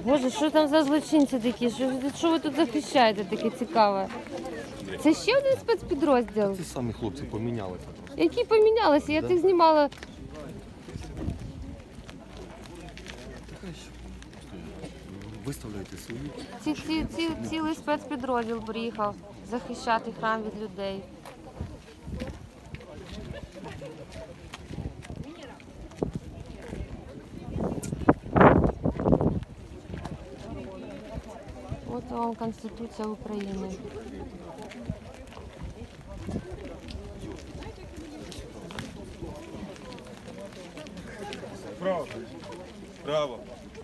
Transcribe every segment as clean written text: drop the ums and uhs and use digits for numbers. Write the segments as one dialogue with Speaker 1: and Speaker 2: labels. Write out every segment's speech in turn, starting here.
Speaker 1: Боже, що там за злочинці такі? Що ви тут захищаєте таке цікаве? Це ще один спецпідрозділ?
Speaker 2: Ті самі хлопці помінялися просто.
Speaker 1: Які помінялися? Я тих знімала.
Speaker 2: Виставляйте свої.
Speaker 1: Цілий спецпідрозділ приїхав захищати храм від людей. От вам Конституція України.
Speaker 3: Право. Право.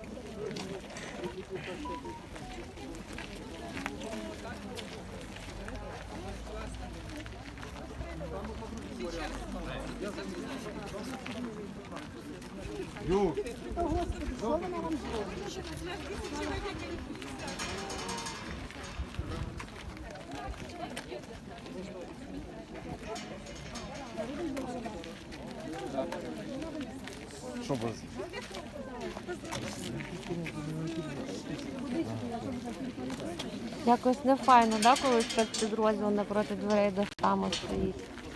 Speaker 3: Ю. Що ви?
Speaker 1: Якось не файно, да, коли спецпідрозділ напроти дверей до храму стоїть.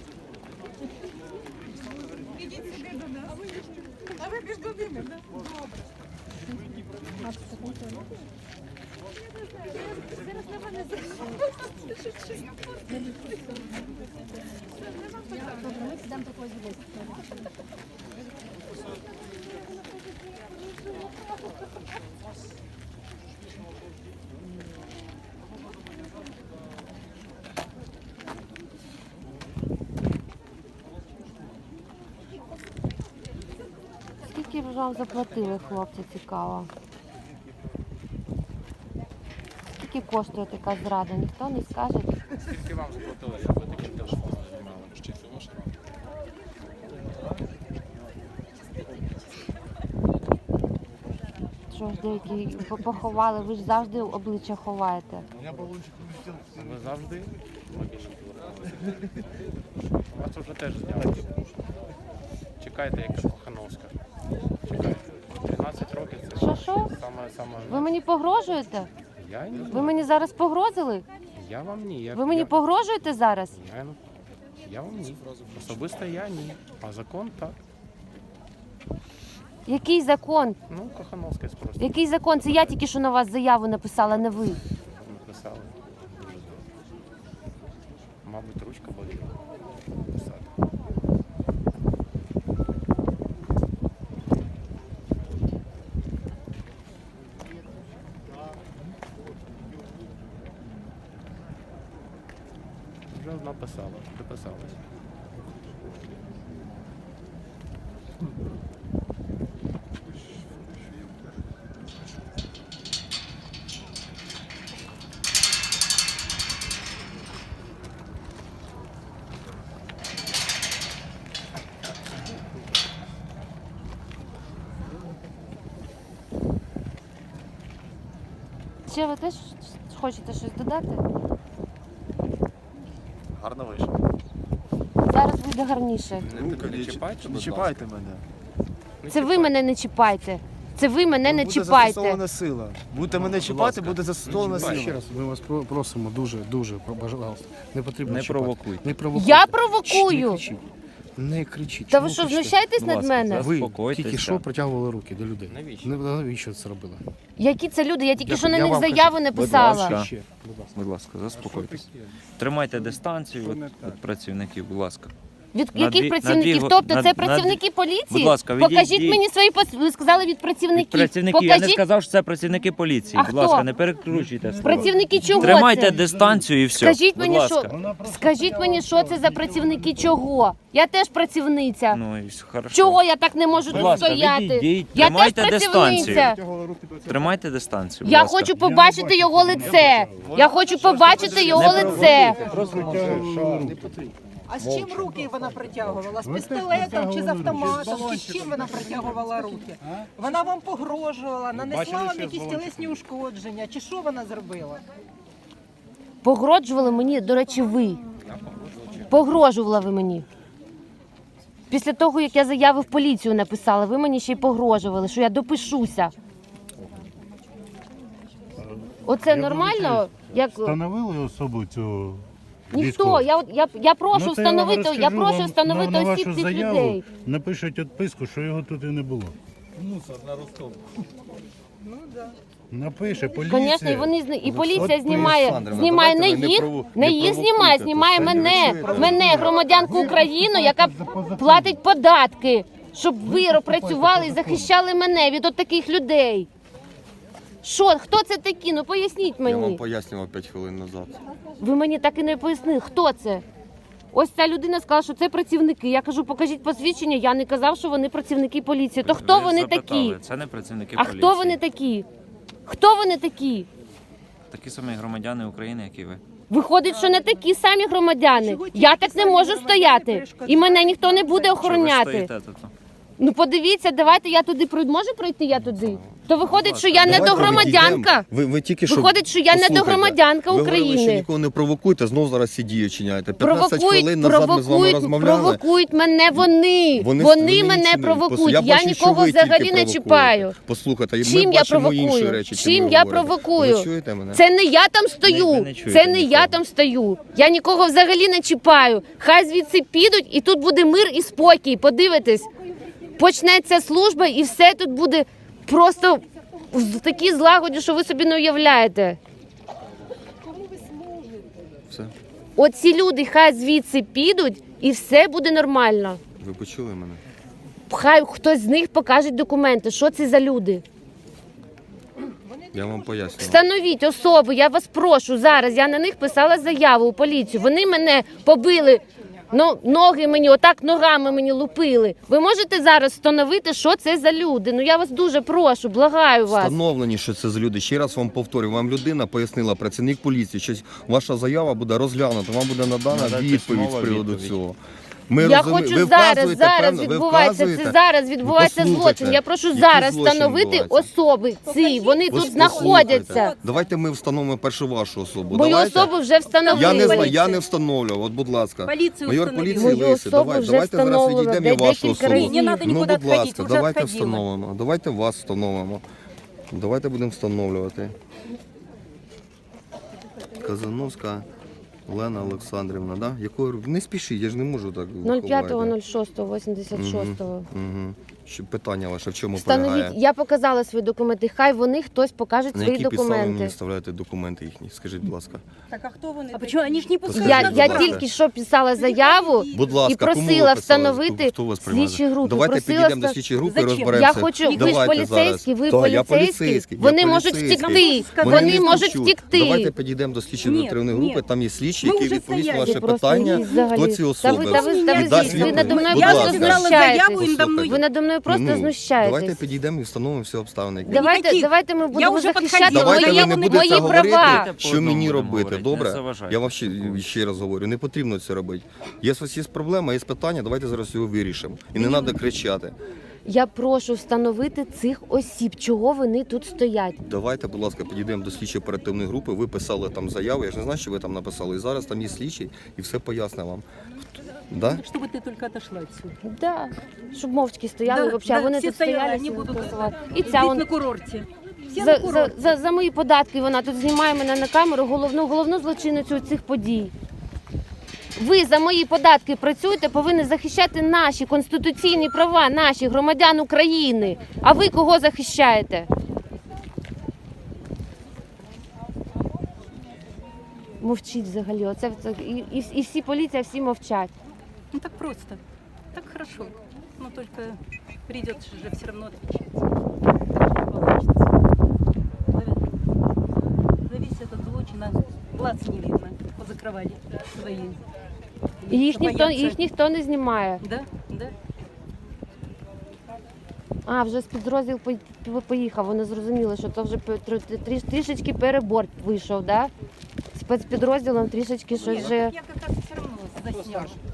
Speaker 4: А ви між ними, так? Зараз на мене ми підемо такого звідси.
Speaker 1: Скільки б вам заплатили, хлопці, цікаво? Скільки коштує така зрада, ніхто не скаже?
Speaker 5: Скільки вам заплатили, щоб ви таким теж знімали? Чи це ваша робота?
Speaker 1: Що ж деякі поховали, ви ж завжди обличчя ховаєте.
Speaker 5: Ви завжди логічно телефонуєте. Вас вже теж зняли. Чекайте, яка Кохановська. Чекайте. 13 років це
Speaker 1: Що?
Speaker 5: саме...
Speaker 1: Ви мені погрожуєте?
Speaker 5: Я ні.
Speaker 1: Ви мені зараз погрозили?
Speaker 5: Я вам ні.
Speaker 1: Ви мені погрожуєте зараз?
Speaker 5: Я вам ні. Особисто я ні. А закон так.
Speaker 1: Який закон?
Speaker 5: Ну, Кохановська просто
Speaker 1: Який закон? Це я тільки що на вас заяву написала, не ви.
Speaker 5: написали. Дуже добре. Мабуть, ручка боліла. Писати. Вже написала, приписалась.
Speaker 1: Ще ви теж хочете щось додати?
Speaker 2: Гарно вийшло.
Speaker 1: Зараз буде гарніше.
Speaker 5: Не чіпайте,
Speaker 3: Не чіпайте мене.
Speaker 1: Це ви мене не чіпайте. Це ви мене не
Speaker 3: Буде
Speaker 1: чіпайте.
Speaker 3: застосована сила. Будете мене чіпати, буде застосована
Speaker 5: чіпайте.
Speaker 3: сила.
Speaker 6: Ще раз, ми вас просимо дуже, пожалуйста. Не потрібно
Speaker 7: Не
Speaker 6: чіпати.
Speaker 7: провокуйте.
Speaker 6: Не провокуйте.
Speaker 1: Я
Speaker 6: Не
Speaker 1: провокую.
Speaker 6: кричіть. Не кричіть.
Speaker 1: Та
Speaker 6: Чому
Speaker 1: ви що,
Speaker 6: кричите?
Speaker 1: знущаєтесь
Speaker 7: Будь
Speaker 1: над
Speaker 7: ласка,
Speaker 1: мене?
Speaker 7: зараз.
Speaker 6: Ви
Speaker 7: Заспокойтеся.
Speaker 6: тільки що протягували руки до людей.
Speaker 5: Навіщо?
Speaker 6: Навіщо це робили?
Speaker 1: Які це люди? Я тільки
Speaker 6: Я-
Speaker 1: що на
Speaker 6: я
Speaker 1: них
Speaker 6: вам кажу.
Speaker 1: заяву не
Speaker 7: Будь
Speaker 1: писала.
Speaker 7: ласка.
Speaker 6: Ще, будь ласка.
Speaker 7: Будь ласка, заспокойтесь. Тримайте дистанцію від працівників, будь ласка.
Speaker 1: Від
Speaker 7: На
Speaker 1: яких
Speaker 7: дві-
Speaker 1: працівників?
Speaker 7: на дві-
Speaker 1: Тобто
Speaker 7: на-
Speaker 1: це
Speaker 7: на-
Speaker 1: працівники поліції?
Speaker 7: Будь ласка,
Speaker 1: Покажіть
Speaker 7: відійдіть.
Speaker 1: мені свої ви сказали від працівників.
Speaker 7: Від працівників. Я не
Speaker 1: Покажіть
Speaker 7: сказав, що це працівники поліції.
Speaker 1: А
Speaker 7: Будь ласка,
Speaker 1: хто?
Speaker 7: не перекручуйте слова.
Speaker 1: працівники чого
Speaker 7: Тримайте
Speaker 1: це?
Speaker 7: дистанцію і все.
Speaker 1: Скажіть
Speaker 7: Будь
Speaker 1: мені,
Speaker 7: ласка.
Speaker 1: скажіть мені, що це за працівники чого? Я теж працівниця.
Speaker 7: Ну і хорошо.
Speaker 1: Чого я так не можу
Speaker 7: Будь
Speaker 1: тут
Speaker 7: ласка,
Speaker 1: стояти?
Speaker 7: відійдіть,
Speaker 1: Я теж
Speaker 7: тримайте
Speaker 1: працівниця.
Speaker 7: Тримайте дистанцію. Будь
Speaker 1: Я
Speaker 7: ласка.
Speaker 1: хочу побачити його лице. Я хочу побачити його лице.
Speaker 8: А з чим руки вона притягувала? З пістолетом чи з автоматом? Чи з чим вона притягувала руки? Вона вам погрожувала, нанесла вам якісь тілесні ушкодження, чи що вона зробила?
Speaker 1: Погрожували мені, до речі, ви. Погрожували ви мені. Після того, як я заяви в поліцію написала, ви мені ще й погрожували, що я допишуся. Оце нормально? Як
Speaker 9: Встановили особу цю
Speaker 1: ніхто?
Speaker 9: військову?
Speaker 1: Я прошу
Speaker 9: Ну, то я вам
Speaker 1: встановити. Я
Speaker 9: розкажу
Speaker 1: прошу
Speaker 9: вам
Speaker 1: встановити
Speaker 9: на
Speaker 1: осіб
Speaker 9: вашу
Speaker 1: цих
Speaker 9: заяву
Speaker 1: людей.
Speaker 9: Напишуть відписку, що його тут і не було.
Speaker 3: Мусор на Ростов.
Speaker 9: Напише поліція.
Speaker 1: Звісно, і вони і поліція
Speaker 9: От,
Speaker 1: знімає
Speaker 2: Олександровна,
Speaker 1: знімає не
Speaker 2: давайте ви не
Speaker 1: їх,
Speaker 2: прову-
Speaker 1: не
Speaker 2: не
Speaker 1: їх знімає,
Speaker 2: провокуйте
Speaker 1: знімає
Speaker 2: тут,
Speaker 1: мене,
Speaker 2: самі ви чуєте?
Speaker 1: мене, громадянку України, яка платить податки, щоб ви працювали і захищали мене від от таких людей. Що, хто це такі? Ну поясніть
Speaker 2: Я вам
Speaker 1: мені.
Speaker 2: пояснював 5 хвилин назад.
Speaker 1: Ви мені так і не пояснили, хто це. Ось ця людина сказала, що це працівники. Я кажу, покажіть посвідчення. Я не казав, що вони працівники поліції. То хто
Speaker 7: Ви
Speaker 1: вони
Speaker 7: запитали,
Speaker 1: такі?
Speaker 7: Це не працівники
Speaker 1: А
Speaker 7: поліції.
Speaker 1: хто вони такі? Хто вони такі?
Speaker 7: Такі самі громадяни України, як і ви.
Speaker 1: Виходить, що не такі самі громадяни. Я так не можу стояти. І мене ніхто не буде
Speaker 7: Що ви
Speaker 1: охороняти.
Speaker 7: стоїте тут?
Speaker 1: Ну подивіться, давайте я туди пройду. Можу пройти я туди? То виходить, що я не
Speaker 2: Давайте
Speaker 1: до громадянка.
Speaker 2: Ви тільки що...
Speaker 1: Виходить, що я не до громадянка
Speaker 2: Ви говорили, що
Speaker 1: України.
Speaker 2: нікого не провокуйте, знов зараз ці дії чиняєте. 15 хвилин назад ми з вами розмовляли.
Speaker 1: Провокують мене вони.
Speaker 2: Вони
Speaker 1: мене
Speaker 2: нічим не-
Speaker 1: провокують.
Speaker 2: Я
Speaker 1: Я
Speaker 2: бачу, що
Speaker 1: нікого
Speaker 2: ви тільки
Speaker 1: взагалі не
Speaker 2: провокуєте.
Speaker 1: чіпаю.
Speaker 2: Послухайте, ми
Speaker 1: Чим я
Speaker 2: бачимо інші
Speaker 1: провокую?
Speaker 2: речі,
Speaker 1: Чим
Speaker 2: ви
Speaker 1: я
Speaker 2: говорите.
Speaker 1: провокую?
Speaker 2: Ви чуєте мене?
Speaker 1: Це не я там стою.
Speaker 7: Ви не чуєте
Speaker 1: Це не я
Speaker 7: нікого.
Speaker 1: там стою. Я нікого взагалі не чіпаю. Хай звідси підуть, і тут буде мир і спокій. Подивитесь, почнеться служба, і все тут буде просто в такій злагоді, що ви собі не уявляєте.
Speaker 2: Все.
Speaker 1: Оці люди хай звідси підуть, і все буде нормально.
Speaker 2: Ви почули мене?
Speaker 1: Хай хтось з них покаже документи. Що це за люди?
Speaker 2: Я вам пояснюю.
Speaker 1: Встановіть особу, я вас прошу зараз. Я на них писала заяву у поліцію. Вони мене побили, ноги мені, отак ногами мені лупили. Ви можете зараз встановити, що це за люди? Ну я вас дуже прошу, благаю вас.
Speaker 2: Встановлені, що це за люди. Ще раз вам повторюю, вам людина пояснила, працівник поліції, що ваша заява буде розглянута, вам буде надана
Speaker 7: Надати
Speaker 2: відповідь з
Speaker 7: письмова
Speaker 2: приводу
Speaker 7: відповідь.
Speaker 2: цього.
Speaker 1: Я хочу зараз відбувається, це зараз відбувається
Speaker 2: Послухайте,
Speaker 1: злочин. Я прошу
Speaker 2: який
Speaker 1: зараз
Speaker 2: злочин
Speaker 1: встановити
Speaker 2: відбувається?
Speaker 1: особи ці, вони тут
Speaker 2: Послухайте,
Speaker 1: знаходяться.
Speaker 2: Давайте ми встановимо першу вашу особу.
Speaker 1: Мою
Speaker 2: Давайте.
Speaker 1: особу вже встановили.
Speaker 2: Я не встановлював, от будь ласка.
Speaker 8: Поліцію
Speaker 2: Майор
Speaker 8: встановили.
Speaker 2: поліції
Speaker 1: Мою
Speaker 2: Лисий,
Speaker 1: особу вже
Speaker 2: давайте зараз
Speaker 1: встановлено,
Speaker 2: відійдемо і вашу
Speaker 1: декілька
Speaker 2: особу.
Speaker 1: разів. Не
Speaker 8: надо
Speaker 2: Ну,
Speaker 8: нікуди
Speaker 2: будь ласка,
Speaker 8: відходити, вже
Speaker 2: давайте
Speaker 8: відходила.
Speaker 2: встановимо. Давайте вас встановимо. Давайте будемо встановлювати. Казановська Олена Олександрівна, да? Якою не спішіть, я ж не можу так.
Speaker 1: 05.06.86.
Speaker 2: Угу. Що питання ваше в чому
Speaker 1: Встановіть,
Speaker 2: полягає?
Speaker 1: я показала свої документи. Хай вони хтось покаже
Speaker 2: На
Speaker 1: свої
Speaker 2: які підстави мені
Speaker 1: документи.
Speaker 2: вставляєте документи їхні? Скажіть, будь ласка.
Speaker 8: Так, а хто вони?
Speaker 4: А почему они ж не пускают?
Speaker 1: Я
Speaker 2: Скажіть, будь ласка.
Speaker 1: тільки що писала заяву
Speaker 2: Будь ласка,
Speaker 1: і просила
Speaker 2: кому ви писали?
Speaker 1: встановити
Speaker 2: Хто вас приймає?
Speaker 1: слідчі групи.
Speaker 2: Давайте
Speaker 1: Просила
Speaker 2: підійдемо до
Speaker 1: ста-
Speaker 2: слідчої групи і
Speaker 8: Зачем?
Speaker 2: розберемося.
Speaker 1: Я хочу, ви ж
Speaker 2: Давайте
Speaker 1: поліцейські, ви
Speaker 2: зараз. Так, я
Speaker 1: поліцейські.
Speaker 2: поліцейський.
Speaker 1: Вони
Speaker 2: я
Speaker 1: можуть
Speaker 2: поліцейський.
Speaker 1: втекти.
Speaker 2: Вони
Speaker 1: Вони
Speaker 2: не
Speaker 1: можуть
Speaker 2: втечуть.
Speaker 1: втекти.
Speaker 2: Давайте підійдемо до слідчої
Speaker 8: Ні,
Speaker 2: оперативної
Speaker 8: ні.
Speaker 2: групи, там є слідчі,
Speaker 8: Ми
Speaker 2: які
Speaker 8: вже
Speaker 2: відповість на
Speaker 8: стояли.
Speaker 2: ваше
Speaker 1: Ви просто
Speaker 2: питання,
Speaker 1: їсть взагалі.
Speaker 2: хто ці
Speaker 1: Та
Speaker 2: особи.
Speaker 1: ви
Speaker 2: І дасть
Speaker 1: ви
Speaker 2: відповідь.
Speaker 1: надо мною
Speaker 2: Будь
Speaker 8: Я
Speaker 1: просто
Speaker 2: ласка.
Speaker 8: написала заяву,
Speaker 1: знущаєтесь.
Speaker 8: їм давно
Speaker 1: Ви надо мною просто
Speaker 2: Давайте
Speaker 1: знущаєтесь.
Speaker 2: підійдемо і встановимо всі обставини. які
Speaker 1: Давайте ми будемо
Speaker 8: вже
Speaker 1: захищати
Speaker 8: підходила,
Speaker 2: Давайте
Speaker 1: мої,
Speaker 2: ви не будете
Speaker 1: мої
Speaker 2: говорити,
Speaker 1: права.
Speaker 2: що
Speaker 7: По одному
Speaker 2: мені
Speaker 7: будемо
Speaker 2: робити,
Speaker 7: говорити,
Speaker 2: добре?
Speaker 7: не заважайте.
Speaker 2: Я вам ще раз говорю, не потрібно це робити. Є у вас є проблема, є питання, давайте зараз його вирішимо. І не треба кричати.
Speaker 1: Я прошу встановити цих осіб, чого вони тут стоять.
Speaker 2: Давайте, будь ласка, підійдемо до слідчої оперативної групи. Ви писали там заяву, я ж не знаю, що ви там написали. І зараз там є слідчий і все пояснить вам. Да?
Speaker 8: Чтобы ты только отошла отсюда.
Speaker 1: Да, щоб мовчки стояли,
Speaker 8: Да,
Speaker 1: взагалі,
Speaker 8: да,
Speaker 1: вони
Speaker 8: всі
Speaker 1: тут
Speaker 8: стояли,
Speaker 1: стояли,
Speaker 8: вони
Speaker 1: всі
Speaker 8: будуть
Speaker 1: голосували. І ця
Speaker 8: Здесь
Speaker 1: он
Speaker 8: на курорте. Все
Speaker 1: за,
Speaker 8: на курорте.
Speaker 1: за мої податки вона тут знімає мене на камеру, головну злочинницю цих подій. Ви за мої податки працюєте, повинні захищати наші конституційні права, наші громадян України. А ви кого захищаєте? Мовчіть взагалі. Оце і всі поліція, всі мовчать.
Speaker 8: Ну так просто. Так хорошо. Но только придется же все равно отвечать. Зависит от злочина. Глаз не видно. Позакрывали свои.
Speaker 1: І
Speaker 8: Боятся.
Speaker 1: їх ніхто не знімає.
Speaker 8: Да, да.
Speaker 1: А, вже спецрозділ поїхав, вони зрозуміли, що це вже трішечки перебор вийшов, да? Спецпідрозділом трішечки щось вже...
Speaker 8: Я как раз все равно заснял.